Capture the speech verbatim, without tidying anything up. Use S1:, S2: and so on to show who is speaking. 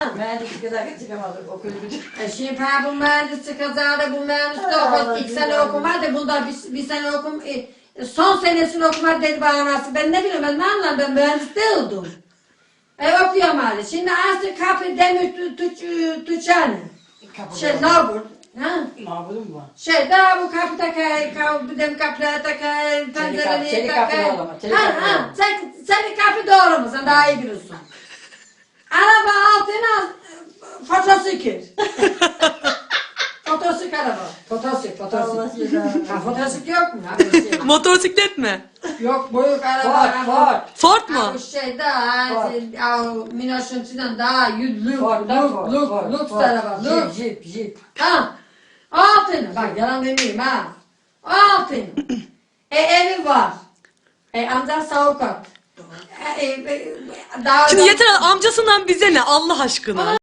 S1: Mühendislik kadar çıkamadık okul gücü.
S2: E şimdi ben bu mühendis çıkacağı bu mühendis de okul ilk sene okumadı. Bunda bir, bir sene okum, e, son senesini okumadı dedi bana nasıl. Ben ne bileyim ben ne anlarım ben mühendis değildim. E okuyorum hali. Şimdi aslı kapı demir tu, tu, tu, tuçanı. Şey labur. Ha?
S1: Mağburum var.
S2: Şey daha bu kapı takay, kapı dem kapıya takay, pencereliği
S1: çelik
S2: takay.
S1: kapı doğrama, çelik
S2: Ha
S1: kapı
S2: ha,
S1: doğrama.
S2: sen, senin kapı doğru mu? Sen daha iyi biliyorsun. Araba altına fotosikir. Fotosik araba. Fotosik, fotosik. Ha fotosik yok mu? Ha, bir şey.
S3: Motosiklet mi?
S2: Yok büyük araba.
S1: Ford, Ford.
S3: Ford
S2: Ha,
S3: mu?
S2: bu şey daha,
S1: Ford.
S2: Minoş'un içinden daha yüz,
S1: Ford,
S2: luk,
S1: da
S2: luk,
S1: Ford,
S2: luk,
S1: Ford,
S2: luk
S1: Ford.
S2: araba, luk.
S1: Jip, jip, jip.
S2: Ha, altın. Bak yalan demeyeyim ha. Altın. E evi var. E amcan savukat. E, e, e, daha
S3: Şimdi yeter amcasından bize ne Allah aşkına.